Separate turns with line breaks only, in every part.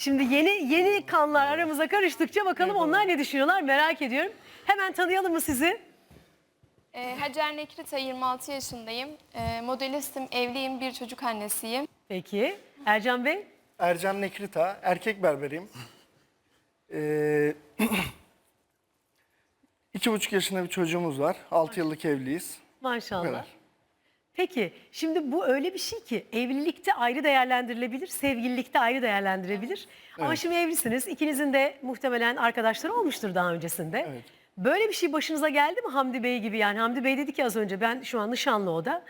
Şimdi yeni kanlar aramıza karıştıkça bakalım onlar ne düşünüyorlar merak ediyorum. Hemen tanıyalım mı sizi?
Hacer Nekrita, 26 yaşındayım. Modelistim, evliyim, bir çocuk annesiyim.
Peki. Ercan Bey?
Ercan Nekrita, erkek berberiyim. 2,5 yaşında bir çocuğumuz var. 6 yıllık evliyiz.
Maşallah.
Evet.
Peki şimdi bu öyle bir şey ki evlilikte ayrı değerlendirilebilir, sevgililikte ayrı değerlendirebilir. Ama
Evet.
şimdi evlisiniz. İkinizin de muhtemelen arkadaşları olmuştur daha öncesinde.
Evet.
Böyle bir şey başınıza geldi mi Hamdi Bey gibi? Yani Hamdi Bey dedi ki az önce ben şu an nişanlı o da.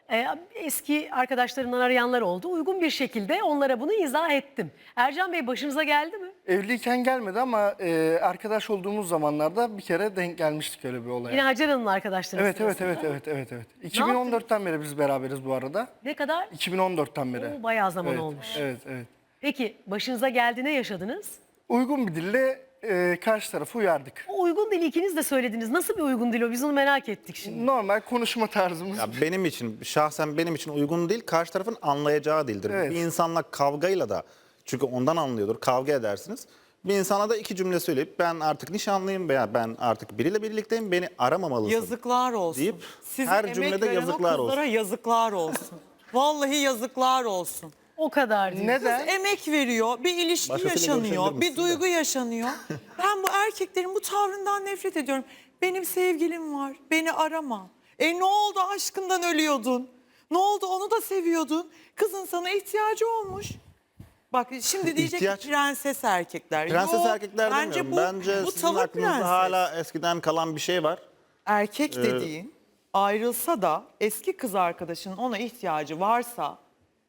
Eski arkadaşlarından arayanlar oldu. Uygun bir şekilde onlara bunu izah ettim. Ercan Bey başınıza geldi mi?
Evliyken gelmedi ama arkadaş olduğumuz zamanlarda bir kere denk gelmiştik öyle bir olaya.
Yine Hacer Hanım'la arkadaşlarınız
Evet, evet,
sırasında.
evet. 2014'ten beri biz beraberiz bu arada.
Ne kadar?
2014'ten beri.
Oo, bayağı zaman
Evet,
olmuş.
Evet.
Peki başınıza geldi ne yaşadınız?
Uygun bir dille karşı tarafı uyardık.
O uygun dili ikiniz de söylediniz. Nasıl bir uygun dil o? Biz onu merak ettik şimdi.
Normal konuşma tarzımız.
Ya benim için, şahsen benim için uygun değil, karşı tarafın anlayacağı dildir.
Evet.
Bir insanla kavgayla da, çünkü ondan anlıyordur, kavga edersiniz. Bir insana da iki cümle söyleyip ben artık nişanlıyım veya ben artık biriyle birlikteyim, beni aramamalısın.
Yazıklar olsun.
Deyip
Size
her
emek
cümlede
veren
yazıklar
o kızlara
olsun.
yazıklar olsun. Vallahi yazıklar olsun.
O kadar diyor.
Neden?
Emek veriyor, bir ilişki
Başkasıyla
yaşanıyor,
görüşebilir
bir
misin
duygu yaşanıyor. Ben bu erkeklerin bu tavrından nefret ediyorum. Benim sevgilim var, beni arama. Ne oldu aşkından ölüyordun? Ne oldu onu da seviyordun? Kızın sana ihtiyacı olmuş. Bak şimdi diyecek
İhtiyaç-
ki prenses erkekler.
Prenses
Yok,
erkekler demiyorum. Bence
bu
sizin
tavır
aklınızda
prenses.
hala eskiden kalan bir şey var.
Erkek dediğin ayrılsa da eski kız arkadaşının ona ihtiyacı varsa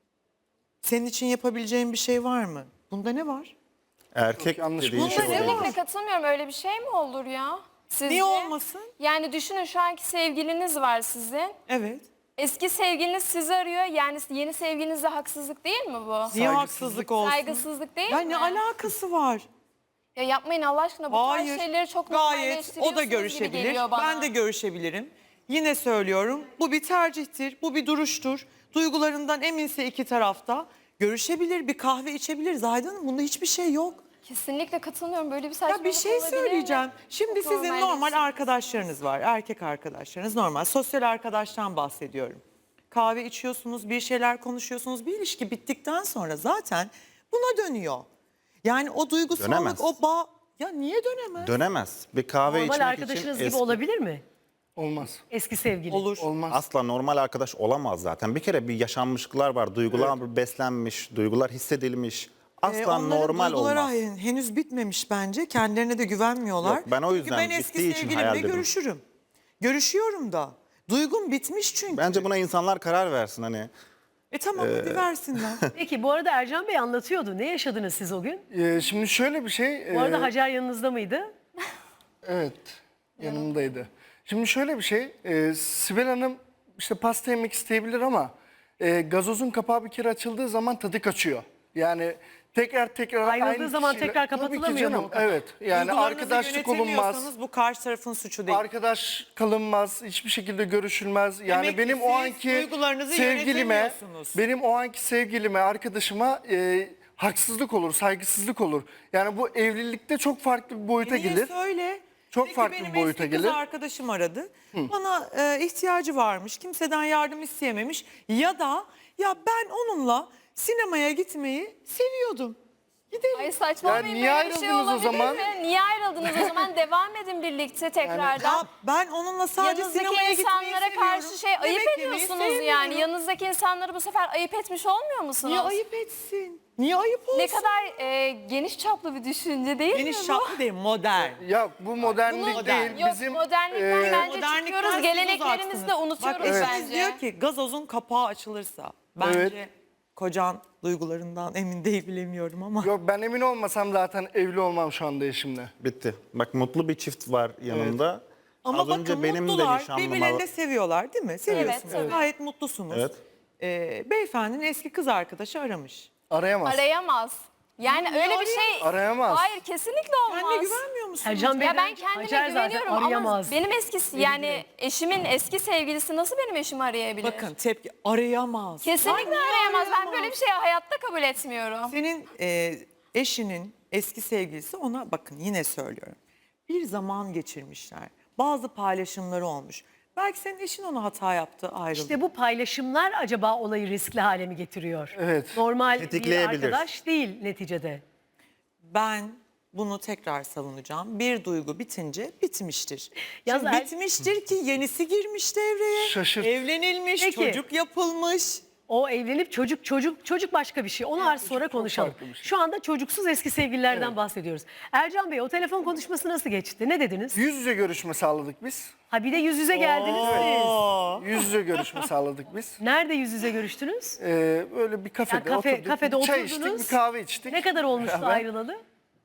senin için yapabileceğin bir şey var mı? Bunda ne var?
Erkek
yanlış
dediğin
bir
şey
şey
oluyor.
Kesinlikle katılmıyorum. Öyle bir şey mi olur ya? Sizce?
Niye olmasın?
Yani düşünün, şu anki sevgiliniz var sizin.
Evet.
Eski sevgiliniz sizi arıyor. Yani yeni sevgilinizde haksızlık değil mi bu?
Niye haksızlık olsun?
Saygısızlık değil
Ya
mi?
ne alakası var?
Ya yapmayın Allah aşkına. Bu tarz
Hayır.
şeyleri çok
Gayet
normalleştiriyorsunuz
o da
gibi
görüşebilir.
geliyor bana.
Ben de görüşebilirim. Yine söylüyorum. Bu bir tercihtir. Bu bir duruştur. Duygularından eminse iki tarafta görüşebilir, bir kahve içebilir. Zahide Hanım bunda hiçbir şey yok.
Kesinlikle katılmıyorum. Böyle bir saçmalık
Ya bir şey
olabilir mi?
söyleyeceğim. Şimdi
Çok
sizin normal
normalleştirmiş.
arkadaşlarınız var. Erkek arkadaşlarınız normal. Sosyal arkadaştan bahsediyorum. Kahve içiyorsunuz, bir şeyler konuşuyorsunuz. Bir ilişki bittikten sonra zaten buna dönüyor. Yani o duygusallık,
Dönemez.
o bağ... Ya niye dönemez?
Dönemez. Bir kahve
Normal
içmek
arkadaşınız
için
gibi olabilir mi?
Olmaz.
Eski sevgili.
Olur.
Olmaz.
asla normal arkadaş olamaz zaten. Bir kere bir yaşanmışlıklar var. Duygular beslenmiş, duygular hissedilmiş. Asla
Onların
normal
duyguları
olmaz.
henüz bitmemiş bence. Kendilerine de güvenmiyorlar.
Yok, ben o yüzden
çünkü ben eski
bittiği için hayal
sevgilimle
dedim.
görüşürüm. Görüşüyorum da. Duygum bitmiş çünkü.
Bence buna insanlar karar versin hani.
Tamam hadi versinler.
Peki bu arada Ercan Bey anlatıyordu. Ne yaşadınız siz o gün?
Şimdi şöyle bir şey.
Bu arada Hacer yanınızda mıydı?
Evet, yanımdaydı. Şimdi şöyle bir şey, Sibel Hanım işte pasta yemek isteyebilir ama gazozun kapağı bir kere açıldığı zaman tadı kaçıyor. Yani tekrar
Ayrıldığı
aynı
zaman
kişiyle-
tekrar
Tabii ki
kapatılamıyor mu
canım,
o kapak?
evet. Yani
Duygularınızı
arkadaşlık olunmaz,
yönetemiyorsanız bu karşı tarafın suçu değil.
arkadaş kalınmaz, hiçbir şekilde görüşülmez. Yani
Demek ki
benim o
siz
anki
duygularınızı
sevgilime,
yönetemiyorsunuz.
arkadaşıma haksızlık olur, saygısızlık olur. Yani bu evlilikte çok farklı bir boyuta
Niye
gelir.
söyle?
Çok
Peki
farklı bir
benim
boyuta
eski kız
gelir.
arkadaşım aradı. Bana ihtiyacı varmış. Kimseden yardım isteyememiş. Ya da ya ben onunla sinemaya gitmeyi seviyordum. Gidelim.
Ay saçmalamayın,
Ya niye
böyle bir şey
ayrıldınız o
olabilir
zaman?
mi? Niye ayrıldınız o zaman? Devam edin birlikte tekrardan.
Ya ben onunla sadece
Yanınızdaki
sinemaya gitmeyi
insanlara karşı
seviyorum.
şey ayıp
Yemek yemeyi
ediyorsunuz yani.
sevmiyorum.
Yanınızdaki insanları bu sefer ayıp etmiş olmuyor musunuz?
Niye ayıp etsin? Niye ayıp olsun?
Ne kadar geniş çaplı bir düşünce değil mi
Geniş
bu?
çaplı değil, modern.
Ya bu modernlik
Bunu-
değil.
Yok,
Bizim
modernlikten bence
Modernlikten
çıkıyoruz.
siz
Geleneklerimizi de
uzaksınız.
unutuyoruz
Bak eşiniz
bence.
diyor ki gazozun kapağı açılırsa. Bence
Evet.
kocan duygularından emin değil bilemiyorum ama.
Yok, ben emin olmasam zaten evli olmam şu anda eşimle.
Bitti. Bak mutlu bir çift var yanımda.
Ama
Az
bakın
önce benim de
mutlular,
nişanlıma...
birbirlerini de seviyorlar değil mi? Seviyorsunuz.
Evet.
Gayet mutlusunuz.
Evet.
Beyefendinin eski kız arkadaşı aramış.
Arayamaz.
Arayamaz. Yani
Niye
öyle bir şey...
Arayamaz.
Hayır, kesinlikle olmaz.
Kendine güvenmiyor musunuz?
Ercan Bey
Ya ben kendime
Hacer zaten
güveniyorum ama
arayamaz.
benim eskisi, yani eşimin eski sevgilisi nasıl benim eşimi arayabilir?
Bakın tepki arayamaz.
Kesinlikle
Ay, niye
arayamaz. Ben böyle bir şeyi hayatta kabul etmiyorum.
Senin eşinin eski sevgilisi ona bakın yine söylüyorum. Bir zaman geçirmişler. Bazı paylaşımları olmuş. Belki senin eşin ona hata yaptı, ayrıldı.
İşte bu paylaşımlar acaba olayı riskli hale mi getiriyor?
Evet.
Normal bir
Tetikleyebilir.
arkadaş değil neticede.
Ben bunu tekrar savunacağım. Bir duygu bitince bitmiştir.
Yalnız
Şimdi bitmiştir ki yenisi girmiş devreye.
Şaşırt.
Evlenilmiş,
Peki.
çocuk yapılmış.
O evlenip çocuk başka bir şey. Onu az sonra konuşalım.
farklı bir şey.
Şu anda çocuksuz eski sevgililerden bahsediyoruz. Ercan Bey o telefon konuşması nasıl geçti? Ne dediniz?
Yüz yüze görüşme sağladık biz.
Ha bir de yüz yüze geldiniz siz.
Yüz yüze görüşme sağladık biz.
Nerede yüz yüze görüştünüz?
Böyle bir kafede
Yani
oturduk.
kafede
Çay
oturdunuz.
içtik, bir kahve içtik.
Ne kadar olmuştu
Beraber.
ayrılalı?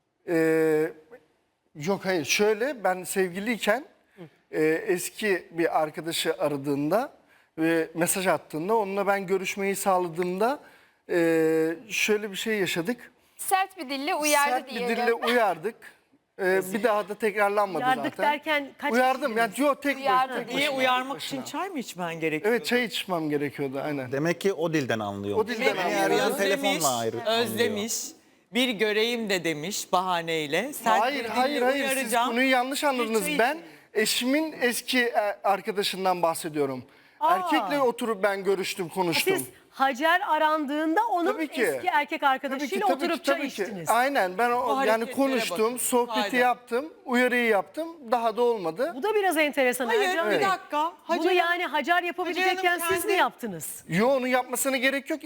Yok hayır şöyle ben sevgiliyken eski bir arkadaşı aradığında ve mesaj attığında onunla ben görüşmeyi sağladığımda şöyle bir şey yaşadık.
Sert bir dille uyardı
Sert bir
diyelim.
dille uyardık. Bir daha da tekrarlanmadı
Uyardık
zaten.
derken kaç
Uyardım
kişiydiniz?
yani yok tek
Uyardı.
tek
Niye
başına,
uyarmak
tek başına.
için çay mı içmen gerekiyor?
Evet çay içmem gerekiyordu aynen.
Demek ki o dilden anlıyor.
O dilden
Eğer
anlıyor.
yan telefonla ayrı
Özlemiş. Bir göreyim de demiş bahaneyle. Sert
Hayır
bir
hayır
dille
hayır siz
uyaracağım.
konuyu yanlış anladınız.
çay
Ben eşimin eski arkadaşından bahsediyorum. Erkekle oturup ben görüştüm konuştum.
Siz Hacer arandığında onun
Tabii ki.
eski erkek arkadaşıyla oturup çay içtiniz.
Aynen ben yani
hareketlere
konuştum,
bakın.
sohbeti
Haydi.
yaptım, uyarıyı yaptım. Daha da olmadı.
Bu da biraz enteresan
Hayır
Ercan
bir
Bey.
dakika.
Bunu yani Hacer yapabilecekken
Hacer Hanım
siz mi
kendi-
yaptınız?
Yo onu yapmasına gerek yok.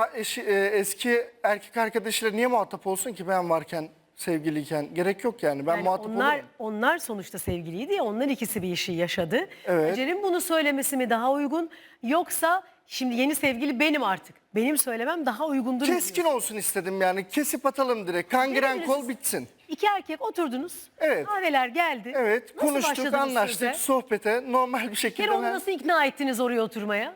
Eski erkek arkadaşıyla niye muhatap olsun ki ben varken, sevgiliyken? Gerek yok yani. Ben
Yani
muhatap olurum.
onlar sonuçta sevgiliydi ya, onlar ikisi bir işi yaşadı.
Evet.
Hacer'in bunu söylemesi mi daha uygun, yoksa şimdi yeni sevgili benim artık, benim söylemem daha uygundur mu
Keskin
diyorsun?
olsun istedim yani. Kesip atalım direkt. Kangren
Dediniz
kol
siz.
bitsin.
İki erkek oturdunuz,
Evet.
kahveler geldi.
Evet,
Nasıl
konuştuk,
başladınız
anlaştık,
söze?
sohbete normal bir
Bir
şekilde
kere onu
ben-
nasıl ikna ettiniz oraya oturmaya?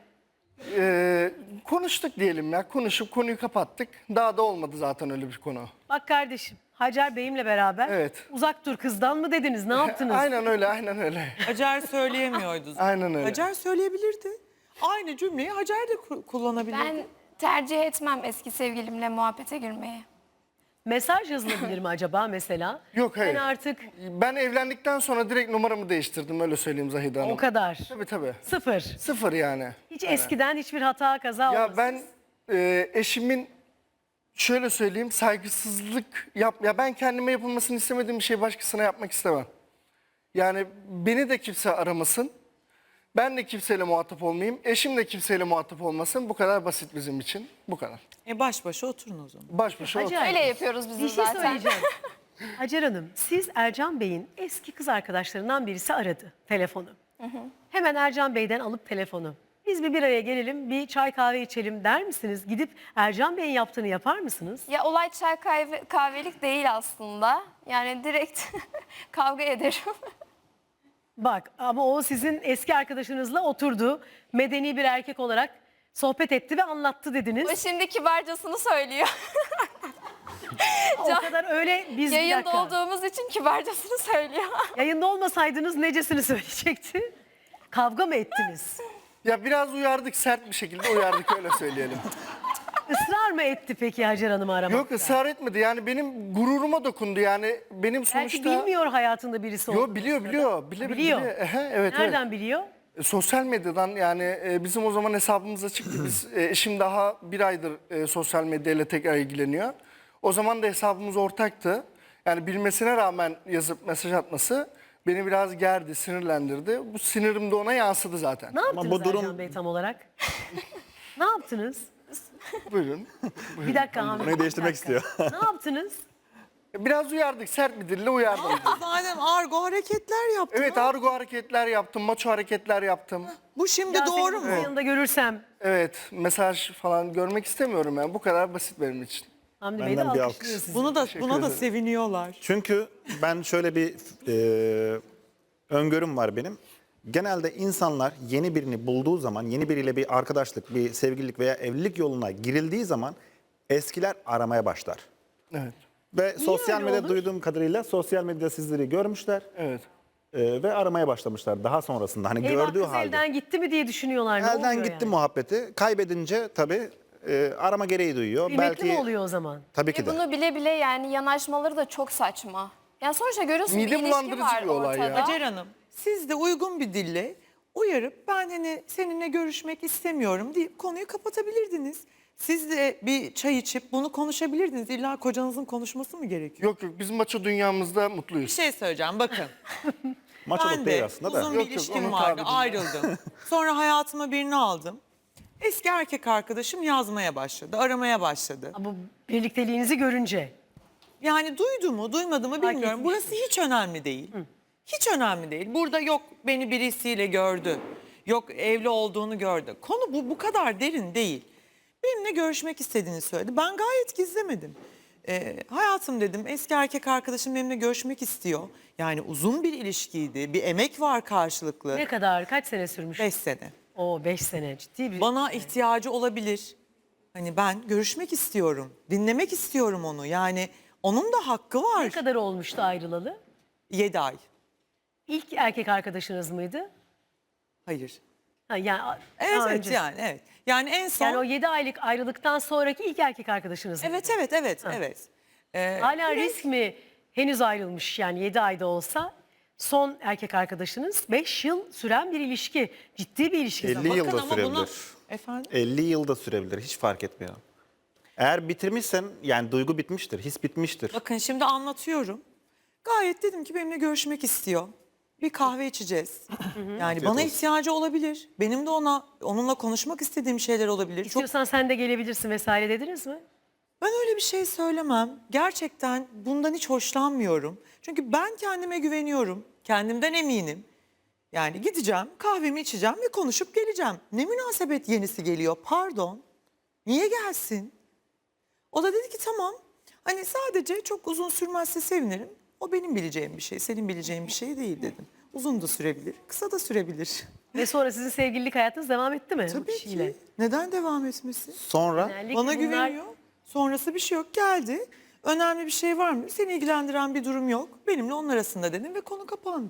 konuştuk diyelim ya. Konuşup konuyu kapattık. Daha da olmadı zaten öyle bir konu.
Bak kardeşim, Hacer Bey'imle beraber
Evet.
uzak dur kızdan mı dediniz, ne yaptınız?
Aynen öyle, aynen öyle.
Hacer söyleyemiyordu.
Aynen öyle.
Hacer söyleyebilirdi. Aynı cümleyi Hacer de kullanabilirdi.
Ben tercih etmem eski sevgilimle muhabbete girmeyi.
Mesaj yazılabilir mi acaba mesela?
Yok, hayır.
Ben artık
Ben evlendikten sonra direkt numaramı değiştirdim öyle söyleyeyim Zahide Hanım.
o kadar.
Tabii tabii.
Sıfır.
Sıfır yani.
Hiç eskiden hiçbir hata kaza olmasın.
Ya ben eşimin şöyle söyleyeyim saygısızlık ya ben kendime yapılmasını istemediğim bir şey başkasına yapmak istemem. Yani beni de kimse aramasın. Ben de kimseyle muhatap olmayayım. Eşim de kimseyle muhatap olmasın. Bu kadar basit bizim için. Bu kadar.
Baş başa oturun o zaman.
Baş başa otur.
Hacer,
Öyle yapıyoruz biz
bir şey
zaten.
söyleyeceğim. Hacer Hanım, siz Ercan Bey'in eski kız arkadaşlarından birisi aradı telefonu. Hemen Ercan Bey'den alıp telefonu. Biz bir araya gelelim, bir çay kahve içelim der misiniz? Gidip Ercan Bey'in yaptığını yapar mısınız?
Ya olay çay kahvelik değil aslında. Yani direkt kavga ederim.
Bak ama o sizin eski arkadaşınızla oturdu. Medeni bir erkek olarak sohbet etti ve anlattı dediniz.
O şimdi kibarcasını söylüyor.
O kadar öyle biz bir
Yayında
dakika.
olduğumuz için kibarcasını söylüyor.
Yayında olmasaydınız necesini söyleyecekti? Kavga mı ettiniz?
Ya biraz uyardık sert bir şekilde uyardık öyle söyleyelim.
Israr mı etti peki Hacer Hanım'ı aramakta?
Yok ısrar etmedi yani benim gururuma dokundu yani benim
Belki
sonuçta...
bilmiyor hayatında birisi olduğunu.
Yo biliyor biliyor.
Biliyor.
Ehe, evet
Nereden
evet.
biliyor?
Sosyal medyadan yani bizim o zaman hesabımıza çıktı. Biz eşim daha bir aydır sosyal medyayla tekrar ilgileniyor. O zaman da hesabımız ortaktı. Yani bilmesine rağmen yazıp mesaj atması beni biraz gerdi, sinirlendirdi. Bu sinirim de ona yansıdı zaten.
Ne yaptınız
bu durum-
Ercan Bey tam olarak? Ne yaptınız?
Buyurun.
Bir dakika Hamdi.
Konuyu değiştirmek
bir dakika.
istiyor.
Ne yaptınız?
Biraz uyardık, sert bir dille uyardım.
Zaten argo hareketler yaptı.
Evet argo hareketler yaptım, maço hareketler yaptım.
Bu şimdi
Ya
doğru
seni
mu?
yanında görürsem
Evet mesaj falan görmek istemiyorum yani. Bu kadar basit benim için.
Hamdi Bey de
Benden bir
alkışlıyor
alkış.
sizi.
Buna da
ederim.
seviniyorlar.
Çünkü ben şöyle bir öngörüm var benim. Genelde insanlar yeni birini bulduğu zaman, yeni biriyle bir arkadaşlık, bir sevgililik veya evlilik yoluna girildiği zaman eskiler aramaya başlar.
Evet.
Ve sosyal
öyle
medyada
olur?
duyduğum kadarıyla sosyal medyada sizleri görmüşler
Evet.
ve aramaya başlamışlar daha sonrasında. Hani
Eyvah
gördüğü
kız
halde.
elden gitti mi diye düşünüyorlar. Ne
Elden
oluyor
gitti
yani?
muhabbeti. Kaybedince tabii arama gereği duyuyor.
Kıymetli mi oluyor o zaman?
Tabii ki
Ve
de.
bunu bile bile yani yanaşmaları da çok saçma. Yani sonuçta görüyorsun
Mide
bir ilişki
bulandırıcı
var
bir olay ya.
ortada.
Hacer Hanım, siz de uygun bir dille uyarıp ben hani seninle görüşmek istemiyorum deyip konuyu kapatabilirdiniz. Siz de bir çay içip bunu konuşabilirdiniz. İlla kocanızın konuşması mı gerekiyor?
Yok yok biz maço dünyamızda
Bir
mutluyuz.
şey söyleyeceğim bakın.
Maçoluk
Ben
değil
de
aslında da.
uzun
Yok,
bir
yok,
ilişkim
onun
vardı,
tabiriyle.
ayrıldım. Sonra hayatıma birini aldım. Eski erkek arkadaşım yazmaya başladı, aramaya başladı.
Bu birlikteliğinizi görünce.
Yani duydu mu, duymadı mı bilmiyorum.
etmiş
Burası hiç önemli değil. Hiç önemli değil. Burada yok beni birisiyle gördü. Yok evli olduğunu gördü. Konu bu kadar derin değil. Benimle görüşmek istediğini söyledi. Ben gayet gizlemedim. Hayatım dedim, eski erkek arkadaşım benimle görüşmek istiyor. Yani uzun bir ilişkiydi. Bir emek var karşılıklı.
Ne kadar, kaç sene sürmüş?
5 sene.
Oo 5 sene ciddi bir...
Bana ihtiyacı olabilir. Hani ben görüşmek istiyorum. Dinlemek istiyorum onu. Yani onun da hakkı
Ne
var.
kadar olmuştu ayrılalı?
7 ay.
İlk erkek arkadaşınız mıydı?
Hayır.
Ha, yani
Evet
daha
evet
önce.
yani evet. Yani en son
Yani o 7 aylık ayrılıktan sonraki ilk erkek arkadaşınız mıydı?
evet.
Hala risk mi henüz ayrılmış yani 7 ayda olsa son erkek arkadaşınız 5 yıl süren bir ilişki. Ciddi bir ilişki
50
zamanı.
yıl da
Bakın ama bunu-
sürebilir.
Efendim?
50 yıl da sürebilir. Hiç fark etmiyor. Eğer bitirmişsen yani duygu bitmiştir, his bitmiştir.
Bakın şimdi anlatıyorum. Gayet dedim ki benimle görüşmek istiyor. Bir kahve içeceğiz. Yani bana
olsun.
ihtiyacı olabilir. Benim de onunla konuşmak istediğim şeyler olabilir. Çok
İstiyorsan sen de gelebilirsin vesaire dediniz mi?
Ben öyle bir şey söylemem. Gerçekten bundan hiç hoşlanmıyorum. Çünkü ben kendime güveniyorum. Kendimden eminim. Yani gideceğim, kahvemi içeceğim ve konuşup geleceğim. Ne münasebet yenisi geliyor, pardon. Niye gelsin? O da dedi ki tamam. Hani sadece çok uzun sürmezse sevinirim. O benim bileceğim bir şey, senin bileceğin bir şey değil dedim. Uzun da sürebilir, kısa da sürebilir.
Ve sonra sizin sevgililik hayatınız devam etti mi? bu
Tabii
kişiyle?
ki. Neden devam etmesin?
Sonra
Genellikle
Bana
bunlar-
güveniyor. Sonrası bir şey yok. Geldi. Önemli bir şey var mı? Seni ilgilendiren bir durum yok. Benimle onun arasında dedim ve konu kapandı.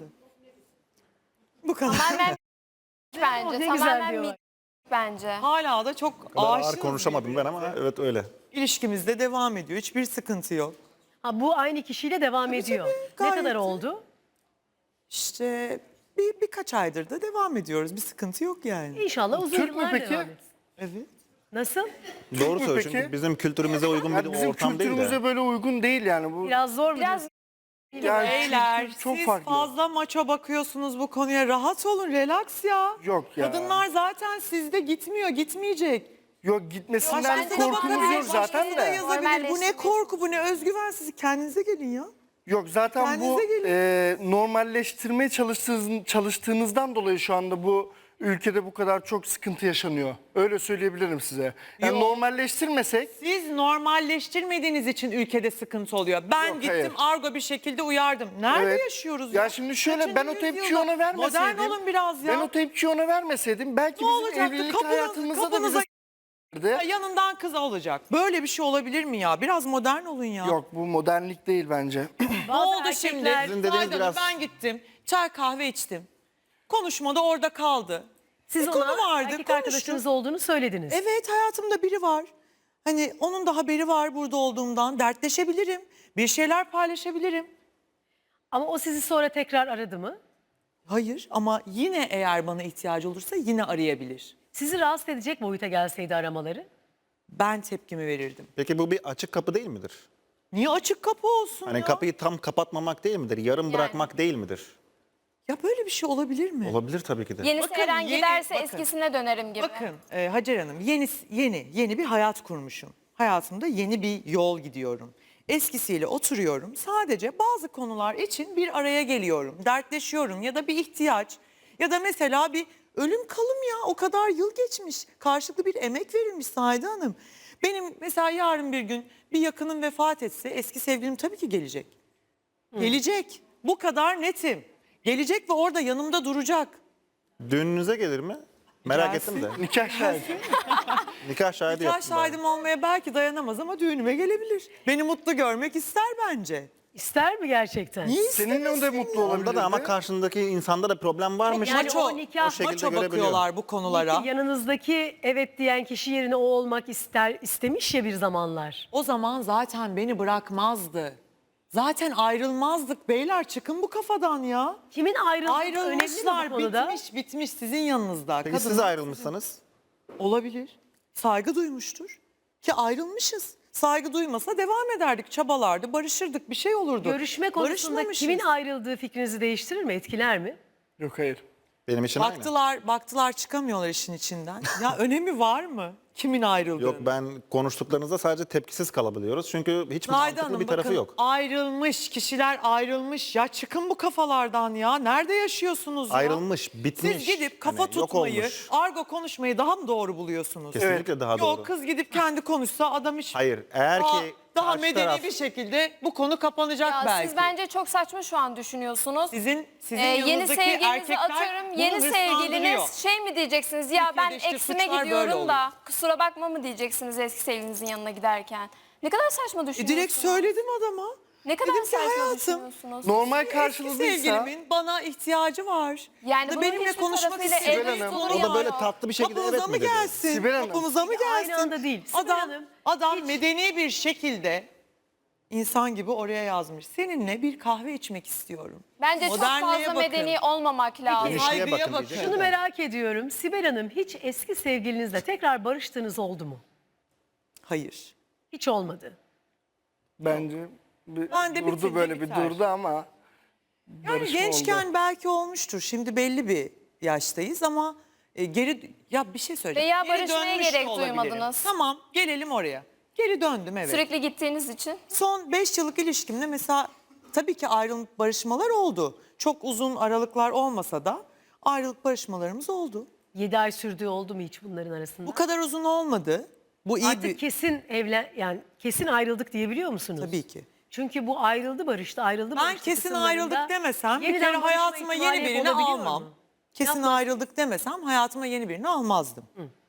Bu kadar.
Tamamen bence.
ne güzel
Tamamen
diyorlar.
bence.
Hala da çok
o kadar ağır
aşığız
konuşamadım ben ama evet öyle.
İlişkimizde devam ediyor. Hiçbir sıkıntı yok.
Ha, bu aynı kişiyle devam ediyor.
tabii,
Ne
gayet
kadar
de.
oldu?
İşte birkaç aydır da devam ediyoruz. Bir sıkıntı yok yani.
İnşallah uzun
Türk mü
yıllar
peki?
devam etsin.
Evet.
Nasıl?
Doğru
mü
söylüyor
peki?
çünkü bizim kültürümüze uygun
Yani
bir
bizim
ortam değil
kültürümüze
de.
böyle uygun değil yani bu.
Biraz zor mu?
Biraz
diyorsun?
Yani
Beyler
kültür çok
siz
farklı.
fazla maço bakıyorsunuz bu konuya. Rahat olun, relax ya.
Yok ya.
Kadınlar zaten sizde gitmiyor, gitmeyecek.
Yok gitmesinden
Bence de
korkumuz
bakın,
yok zaten
Başkası da
de.
yazabilir. Bu ne
Normalleştirmiş.
korku, bu ne özgüven, siz kendinize gelin ya.
Yok zaten bu
Kendinize
normalleştirmeye çalıştığınızdan dolayı şu anda bu ülkede bu kadar çok sıkıntı yaşanıyor. Öyle söyleyebilirim size. Yani
Yok.
normalleştirmesek
Siz normalleştirmediğiniz için ülkede sıkıntı oluyor. Ben
Yok,
gittim
hayır.
argo bir şekilde uyardım. Nerede
Evet.
yaşıyoruz
Ya şimdi şöyle,
Kaçıncı
ben o tepkiyi
yüzyılda?
ona vermeseydim.
Modern olun biraz ya.
Ben o tepkiyi ona vermeseydim belki
Ne
bizim
olacaktı?
evlilik
Kapınız-
hayatımızda da
kapınıza-
bizi
Ya yanından kız olacak. Böyle bir şey olabilir mi ya? Biraz modern olun ya.
Yok bu modernlik değil bence.
Ne
Bazı
oldu şimdi?
erkekler-
Sizin dediğiniz
Saydam,
biraz-
ben gittim. Çay kahve içtim. Konuşmada orada kaldı.
Siz
Bir konu
ona
vardı,
erkek
konuştuk.
arkadaşınız olduğunu söylediniz.
Evet hayatımda biri var. Hani onun da haberi var burada olduğumdan. Dertleşebilirim. Bir şeyler paylaşabilirim.
Ama o sizi sonra tekrar aradı mı?
Hayır ama yine eğer bana ihtiyacı olursa yine arayabilir.
Sizi rahatsız edecek boyuta gelseydi aramaları?
Ben tepkimi verirdim.
Peki bu bir açık kapı değil midir?
Niye açık kapı olsun
Hani
ya?
kapıyı tam kapatmamak değil midir? Yarım bırakmak değil midir?
Ya böyle bir şey olabilir mi?
Olabilir tabii ki de.
yenisi
Bakın,
Eren
yeni-
giderse
bakın.
eskisine dönerim gibi.
Bakın Hacer Hanım yeni bir hayat kurmuşum. Hayatımda yeni bir yol gidiyorum. Eskisiyle oturuyorum. Sadece bazı konular için bir araya geliyorum. Dertleşiyorum ya da bir ihtiyaç ya da mesela bir ölüm kalım ya o kadar yıl geçmiş. Karşılıklı bir emek verilmiş Saide Hanım. Benim mesela yarın bir gün bir yakınım vefat etse eski sevgilim tabii ki gelecek. Gelecek. Bu kadar netim. Gelecek ve orada yanımda duracak.
Düğününüze gelir mi? Merak
Gelsin.
ettim de.
Nikah şahidi.
Nikah şahidi
Nikah
yaptım ben.
şahidim olmaya belki dayanamaz ama düğünüme gelebilir. Beni mutlu görmek ister bence.
İster mi gerçekten?
Niye
Seninle de mutlu olabilirdi.
Onda da ama karşındaki insanda da problem varmış.
Yani
Maço,
o nikah-
o şekilde
maço
görebiliyor.
bakıyorlar bu konulara.
Yanınızdaki evet diyen kişi yerine o olmak istemiş ya bir zamanlar.
O zaman zaten beni bırakmazdı. Zaten ayrılmazdık beyler, çıkın bu kafadan ya.
Kimin ayrıldığı önemli mi
Ayrılmışlar,
bu konuda?
bitmiş sizin yanınızda.
Peki siz
Kadınlar-
ayrılmışsanız?
Olabilir. Saygı duymuştur. Ki ayrılmışız. Saygı duymasa devam ederdik, çabalardı, barışırdık, bir şey olurdu.
Görüşme konusunda
Barışmamışız.
kimin ayrıldığı fikrinizi değiştirir mi, etkiler mi?
Yok hayır.
Benim için aynı.
Baktılar çıkamıyorlar işin içinden. Ya önemi var mı? Kimin ayrıldığı?
Yok, ben konuştuklarınızda sadece tepkisiz kalabiliyoruz. Çünkü hiç
Nayda
mantıklı
Hanım
bir tarafı
bakın,
yok.
ayrılmış kişiler ayrılmış. Ya çıkın bu kafalardan ya. Nerede yaşıyorsunuz ya?
Ayrılmış, bitmiş.
Siz gidip kafa
Hani yok
tutmayı,
olmuş.
argo konuşmayı daha mı doğru buluyorsunuz?
Kesinlikle daha doğru.
Yok, kız gidip kendi konuşsa adam hiç...
Hayır, eğer ki
daha
karşı
medeni
taraf-
bir şekilde bu konu kapanacak
Ya
belki.
siz bence çok saçma şu an düşünüyorsunuz.
Sizin
Yeni
yanınızdaki
sevgilinizi
erkekler
atıyorum.
bunu
Yeni
hırslandırıyor.
sevgiliniz şey mi diyeceksiniz? Ya ben
Türkiye'de işte
eksime
suçlar böyle
gidiyorum da
oluyor.
kusura bakma mı diyeceksiniz eski sevgilinizin yanına giderken? Ne kadar saçma düşünüyorsunuz.
Direkt söyledim adama.
Ne kadar
Dedim ki
saçma
hayatım,
düşünüyorsunuz.
Normal
eski
karşılığıysa
sevgilimin bana ihtiyacı var.
Yani
Da
bunun
benimle
hiçbir
konuşmak
tarafıyla
istiyor.
Sibel
evlilik
Hanım,
olur
O da
ya.
böyle tatlı bir şekilde
Kapımıza
evet
mı
mi dedi?
gelsin?
Sibel Hanım.
Kapımıza mı
Peki,
gelsin?
aynı anda değil. Sibel
Adam,
Hanım,
adam
hiç-
medeni bir şekilde insan gibi oraya yazmış. Seninle bir kahve içmek istiyorum.
Bence çok
Modernliğe
fazla
bakın.
medeni olmamak lazım.
Genişliğe
Saygıya
bakın
bakın.
diyecek.
Şunu merak ediyorum. Sibel Hanım, hiç eski sevgilinizle tekrar barıştığınız oldu mu?
Hayır.
Hiç olmadı.
bence
Ben de
durdu
bitirdi,
böyle
biter.
bir durdu ama
Yani
barışma
gençken
oldu.
belki olmuştur. Şimdi belli bir yaştayız ama ya bir şey söyleyeceğim.
Veya
Geri
barışmaya
dönmüş de
gerek
olabilirim.
duymadınız.
Tamam, gelelim oraya. Geri döndüm, evet.
Sürekli gittiğiniz için.
Son 5 yıllık ilişkimde mesela tabii ki ayrılık barışmalar oldu. Çok uzun aralıklar olmasa da ayrılık barışmalarımız oldu.
7 ay sürdüğü oldu mu hiç bunların arasında?
Bu kadar uzun olmadı. Bu iyi
Artık
bir...
kesin yani kesin ayrıldık diyebiliyor musunuz?
Tabii ki.
Çünkü bu ayrıldı barıştı, ayrıldı
Ben
barıştı
kesin
kısımlarında
ayrıldık demesem bir
yeniden
kere
barışma
hayatıma
ihtimali
yeni birini
olabiliyor
almam.
mu?
Kesin
Yapma.
ayrıldık demesem hayatıma yeni birini almazdım.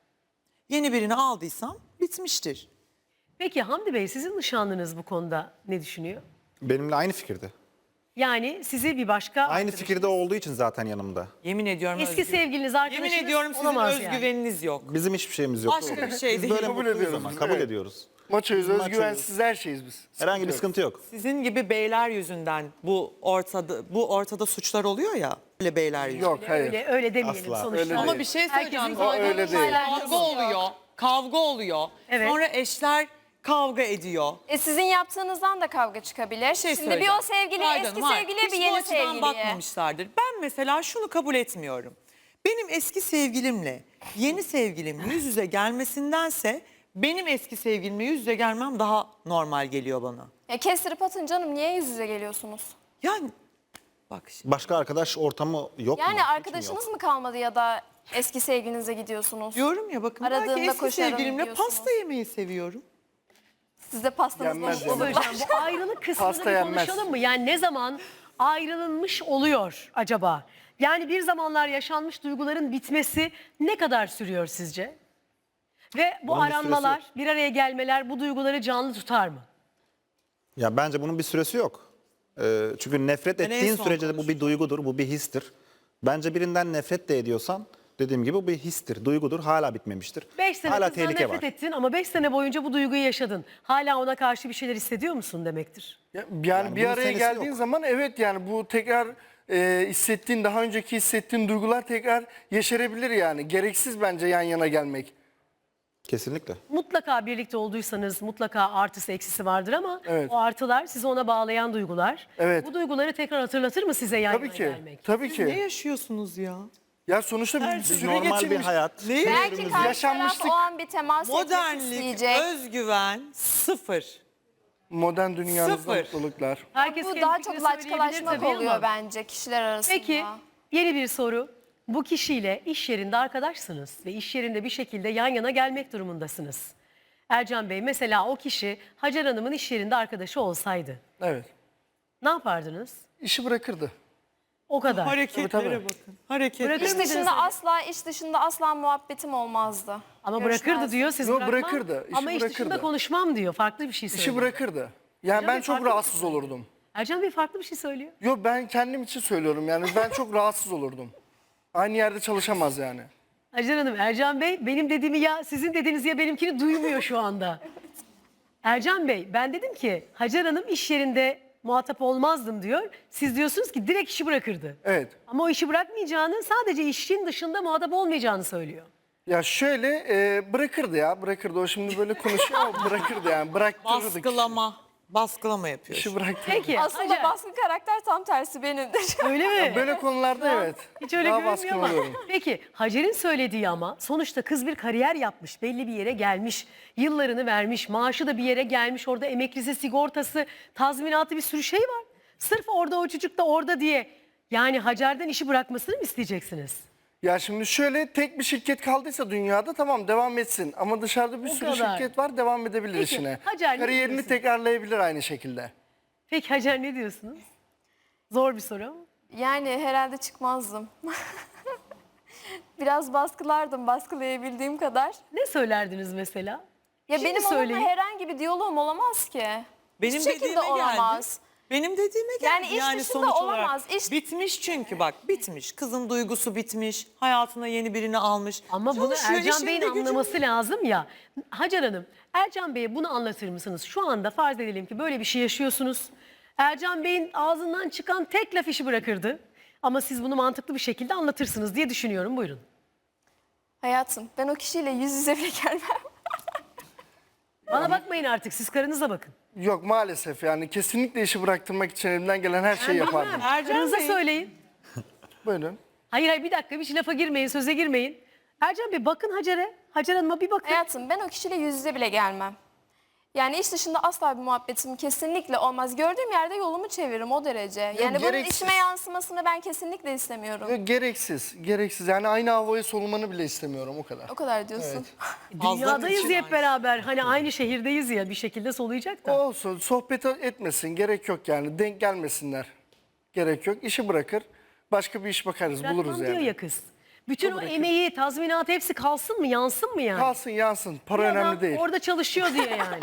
Yeni birini aldıysam bitmiştir.
Peki Hamdi Bey, sizin nişanlınız bu konuda ne düşünüyor?
Benimle aynı fikirde.
Yani sizi bir başka
Aynı
arkadaş-
fikirde olduğu için zaten yanımda.
Yemin ediyorum
eski sevgiliniz, arkadaşınız
Yemin ediyorum sizin
olamaz yani.
özgüveniniz yok.
Bizim hiçbir şeyimiz yok.
Başka bir şey
Biz
değil.
böyle
Kabul
mutluyuz
ediyoruz
ama
biz,
kabul
evet.
ediyoruz.
Maçoyuz,
Maçoyuz.
özgüvensiz her şeyiz biz.
Herhangi bir
yok.
sıkıntı yok.
Sizin gibi beyler yüzünden bu ortada suçlar oluyor ya. Böyle beyler yüzünden.
Yok hayır.
Öyle demeyelim
Asla.
sonuçta.
Öyle
Ama
değil.
bir şey söyleyeceğim.
Herkesin
O öyle değil.
Kavga oluyor. Kavga oluyor.
Evet.
Sonra eşler kavga ediyor.
Sizin yaptığınızdan da kavga çıkabilir.
Şey
Şimdi bir
söyleyeceğim.
o sevgili,
Pardon,
eski
var.
sevgiliye
Hiç
bir
bu
yeni
açıdan
sevgiliye.
bakmamışlardır. Ben mesela şunu kabul etmiyorum. Benim eski sevgilimle yeni sevgilim yüz yüze gelmesindense benim eski sevgilimle yüz yüze gelmem daha normal geliyor bana.
Ya kestirip atın canım, niye yüz yüze geliyorsunuz?
Yani bak şimdi.
Başka arkadaş ortamı yok mu?
Yani
Hiç mi
arkadaşınız
yok?
mı kalmadı ya da eski sevgilinize gidiyorsunuz?
Diyorum ya bakın
Aradığında
belki eski
koşarım
sevgilimle
diyorsunuz.
pasta yemeyi seviyorum.
Siz de pastanızla
Yenmez
mutlu
yani.
olun.
Hocam bu ayrılık kısmını
Pasta
bir
yenmez.
konuşalım mı? Yani ne zaman ayrılınmış oluyor acaba? Yani bir zamanlar yaşanmış duyguların bitmesi ne kadar sürüyor sizce? Ve bu
Bunun bir süresi
aranmalar,
yok.
bir araya gelmeler bu duyguları canlı tutar mı?
Ya bence bunun bir süresi yok. Çünkü nefret
Ben en
ettiğin
son
sürece de bu bir duygudur, bu bir histir. Bence birinden nefret de ediyorsan dediğim gibi bu bir histir, duygudur, hala bitmemiştir.
5 sene
hala
kızdan
tehlike
nefret
var.
ettin ama 5 sene boyunca bu duyguyu yaşadın. Hala ona karşı bir şeyler hissediyor musun demektir.
Yani bir
bunun
araya
senesi
geldiğin
yok.
zaman evet yani bu tekrar hissettiğin, daha önceki hissettiğin duygular tekrar yeşerebilir yani. Gereksiz bence yan yana gelmek.
Kesinlikle.
Mutlaka birlikte olduysanız mutlaka artısı eksisi vardır ama
Evet.
o artılar sizi ona bağlayan duygular.
Evet.
Bu duyguları tekrar hatırlatır mı size yan
Tabii
yana
ki.
gelmek?
Tabii
Ne
ki.
yaşıyorsunuz ya?
Ya sonuçta bir
Biz
süre
normal bir
geçirmiş.
hayat.
Ne?
Belki karşı taraf
yaşanmışlık.
o an bir temas etmek
Modernlik,
isteyecek.
özgüven sıfır.
Modern dünyamızda
Sıfır.
mutluluklar.
Herkes
Bu
kendi
daha
fikrini
çok
söyleyebilir
laçkalaşmak
tabii
oluyor
ama.
bence kişiler arasında.
Peki yeni bir soru. Bu kişiyle iş yerinde arkadaşsınız ve iş yerinde bir şekilde yan yana gelmek durumundasınız. Ercan Bey, mesela o kişi Hacer Hanım'ın iş yerinde arkadaşı olsaydı
Evet.
ne yapardınız?
İşi bırakırdı.
O kadar.
Hareketlere
Tabii, tabii.
bakın. Hareketler.
Bırakır
İş
mıydınız
dışında
öyle?
iş dışında asla muhabbetim olmazdı.
Ama bırakırdı
Görüşmezdik.
diyor, siz
Yok,
bırakmam.
bırakırdı, işi
Ama iş dışında
bırakırdı.
konuşmam diyor, farklı bir şey söylüyor.
İşi bırakırdı. Yani
Hocam
ben
bir
çok
farklı bir
rahatsız
şey.
olurdum.
Ercan Bey farklı bir şey söylüyor.
Yok, ben kendim için söylüyorum yani, ben çok rahatsız olurdum. Aynı yerde çalışamaz yani.
Hacer Hanım, Ercan Bey benim dediğimi ya sizin dediğiniz ya benimkini duymuyor şu anda. Ercan Bey, ben dedim ki Hacer Hanım iş yerinde muhatap olmazdım diyor. Siz diyorsunuz ki direkt işi bırakırdı.
Evet.
Ama o işi bırakmayacağını, sadece işin dışında muhatap olmayacağını söylüyor.
Ya şöyle bırakırdı ya, bırakırdı. O şimdi böyle konuşuyor ama bırakırdı yani, bıraktırırdık.
Baskılama yapıyor.
İşi bıraktırırdık.
Peki
Aslında
Hacer,
baskın karakter tam tersi benimdir.
öyle mi?
Böyle konularda evet.
Hiç öyle
daha
görünmüyor
baskın
ama.
oluyorum.
Peki Hacer'in söylediği ama sonuçta kız bir kariyer yapmış, belli bir yere gelmiş, yıllarını vermiş, maaşı da bir yere gelmiş, orada emeklisi, sigortası, tazminatı bir sürü şey var. Sırf orada o çocuk da orada diye yani Hacer'den işi bırakmasını mı isteyeceksiniz?
Ya şimdi şöyle, tek bir şirket kaldıysa dünyada tamam, devam etsin. Ama dışarıda bir
O
sürü
kadar.
şirket var, devam edebilir
Peki,
işine.
Hacer, ne
Kariyerini
diyorsun?
tekrarlayabilir aynı şekilde.
Peki Hacer ne diyorsunuz? Zor bir soru ama.
Yani herhalde çıkmazdım. Biraz baskılardım, baskılayabildiğim kadar.
Ne söylerdiniz mesela?
Ya
Şimdi
benim
söyleyin.
onunla herhangi bir diyaloğum olamaz ki.
Benim
Hiçbir şekilde
dediğime
olamaz.
geldi. Benim dediğime geldi.
Yani iş dışında
sonuç
olamaz.
olarak
İş-
bitmiş çünkü bak, bitmiş. Kızın duygusu bitmiş. Hayatına yeni birini almış.
Ama bunu
Çalışıyor,
Ercan
işinde
Bey'in
gücünde.
anlaması lazım ya. Hacer Hanım, Ercan Bey'e bunu anlatır mısınız? Şu anda farz edelim ki böyle bir şey yaşıyorsunuz. Ercan Bey'in ağzından çıkan tek laf işi bırakırdı. Ama siz bunu mantıklı bir şekilde anlatırsınız diye düşünüyorum. Buyurun.
Hayatım, ben o kişiyle yüz yüze bile gelmem.
Bana bakmayın artık, siz karınıza bakın.
Yok maalesef, yani kesinlikle işi bıraktırmak için elimden gelen her şeyi yapardım.
Bilmem,
Ercan
karınıza
Bey.
söyleyin.
Buyurun.
Hayır bir dakika, bir lafa girmeyin, söze girmeyin. Ercan Bey bakın Hacer'e. Hacer Hanım'a bir bakın.
Hayatım, ben o kişiyle yüz yüze bile gelmem. Yani iş dışında asla bir muhabbetim kesinlikle olmaz. Gördüğüm yerde yolumu çeviririm o derece. Yani bunun
gereksiz.
işime yansımasını ben kesinlikle istemiyorum.
Yok, gereksiz. Yani aynı havayı solumanı bile istemiyorum, o kadar.
O kadar diyorsun.
Dünyadayız
için
ya hep beraber. Hani aynı şehirdeyiz ya, bir şekilde soluyacak da.
Olsun, sohbet etmesin, gerek yok yani. Denk gelmesinler. Gerek yok. İşi bırakır. Başka bir iş bakarız, buluruz
Bırakmam diyor
yani.
ya kız. Bütün o emeği, tazminat hepsi kalsın mı, yansın mı yani?
Kalsın yansın. Para
Bir adam
önemli değil.
Orada çalışıyor diye yani.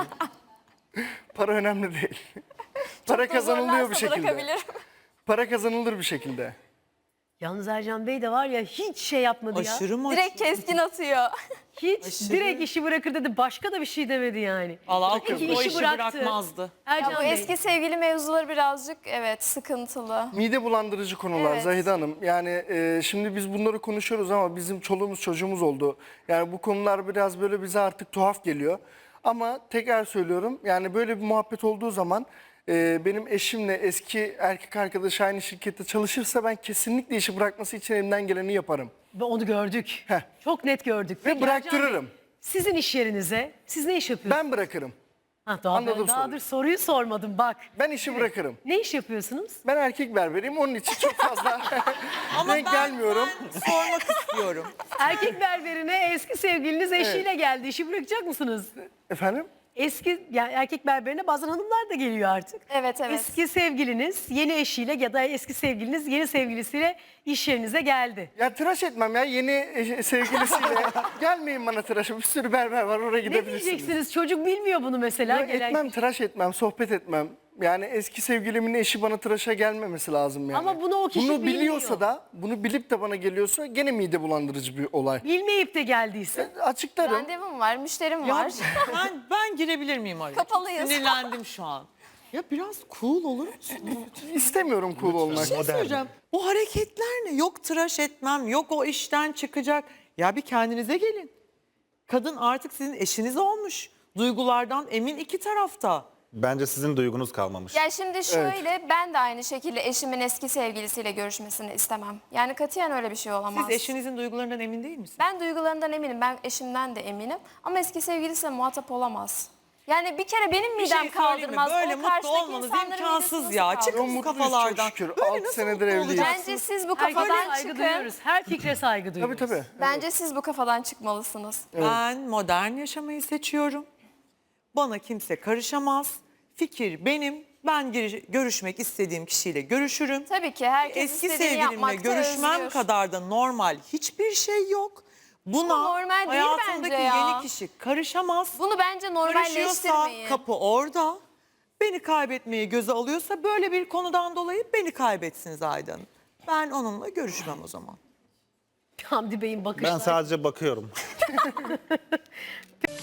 Para önemli değil. Para
Çok
kazanılıyor bir
zorlarsa
şekilde.
bırakabilirim.
Para kazanılır bir şekilde.
Yalnız Ercan Bey de var ya hiç şey yapmadı ya.
Aşırı mı?
Direkt keskin atıyor.
Hiç direkt işi bırakır dedi. Başka da bir şey demedi yani.
Allah
Peki
o
işi
işi
bıraktı.
bırakmazdı.
Ya
Ercan
bu
Bey.
eski sevgili mevzuları birazcık evet sıkıntılı.
Mide bulandırıcı konular
Evet.
Zahide Hanım. Yani şimdi biz bunları konuşuyoruz ama bizim çoluğumuz çocuğumuz oldu. Yani bu konular biraz böyle bize artık tuhaf geliyor. Ama tekrar söylüyorum, yani böyle bir muhabbet olduğu zaman benim eşimle eski erkek arkadaşı aynı şirkette çalışırsa ben kesinlikle işi bırakması için elimden geleni yaparım.
Ve onu gördük.
Heh.
Çok net gördük.
Ve
Peki
bıraktırırım.
Ercan Bey, sizin iş yerinize siz ne iş yapıyorsunuz?
Ben bırakırım.
Daha
anladım
daha
soruyu.
dur soruyu sormadım bak.
Ben işi bırakırım.
Ne iş yapıyorsunuz?
Ben erkek berberiyim, onun için çok fazla denk gelmiyorum.
Ben sormak istiyorum.
Erkek berberine eski sevgiliniz eşiyle geldi. İşi bırakacak mısınız?
Efendim?
Eski yani erkek berberine bazen hanımlar da geliyor artık.
Evet evet.
Eski sevgiliniz yeni eşiyle ya da eski sevgiliniz yeni sevgilisiyle iş yerinize geldi.
Ya tıraş etmem ya, yeni sevgilisiyle. Gelmeyin bana tıraşa, bir sürü berber var, oraya
Ne
gidebilirsiniz.
diyeceksiniz? Çocuk bilmiyor bunu mesela.
Yok, etmem, tıraş etmem, sohbet etmem. Yani eski sevgilimin eşi bana tıraşa gelmemesi lazım yani.
Ama bunu o kişi
Bunu biliyorsa
bilmiyor.
da, bunu bilip de bana geliyorsa gene mide bulandırıcı bir olay.
Bilmeyip de geldiyse.
Açıklarım.
Randevum var, müşterim
Ya
var.
ben girebilir miyim araya?
Kapalıyız.
Sinirlendim şu an. Ya biraz cool olur musun?
İstemiyorum cool olmak.
Bir şey söyleyeceğim. Bu hareketler ne? Yok tıraş etmem, yok o işten çıkacak. Ya bir kendinize gelin. Kadın artık sizin eşiniz olmuş. Duygulardan emin iki tarafta.
Bence sizin duygunuz kalmamış.
Ya şimdi şöyle ben de aynı şekilde eşimin eski sevgilisiyle görüşmesini istemem. Yani katiyen öyle bir şey olamaz.
Siz eşinizin duygularından emin değil misiniz?
Ben duygularından eminim, ben eşimden de eminim. Ama eski sevgilisiyle muhatap olamaz. Yani bir kere benim
Bir şey
midem
söyleyeyim mi?
kaldırmaz.
Böyle
o
mutlu
karşıdaki
olmanız
insanların
imkansız
midesi
ya.
nasıl kaldırır?
Çıkın bu
Mutluyuz
kafalardan.
çok şükür.
Böyle
6
nasıl
senedir
mutlu
evliyiz.
olacaksınız?
Bence siz bu
Herkese
kafadan
saygı
çıkın.
duyuyoruz. Her fikre saygı
Tabii
duyuyoruz.
tabii.
Bence siz bu kafadan çıkmalısınız.
Ben modern yaşamayı seçiyorum. Bana kimse karışamaz. Fikir benim. Ben görüşmek istediğim kişiyle görüşürüm.
Tabii ki herkes
Eski
istediğini
sevgilimle
yapmakta
görüşmem
özgür.
kadar da normal hiçbir şey yok. Buna
Bu normal değil
hayatımdaki
bence ya.
yeni kişi karışamaz.
Bunu bence
Karışıyorsa
normalleştirmeyin.
kapı orada. beni kaybetmeyi göze alıyorsa böyle bir konudan dolayı beni kaybetsin Zahide Hanım. Ben onunla görüşmem o zaman.
Hamdi Bey'in bakışları.
Ben sadece bakıyorum.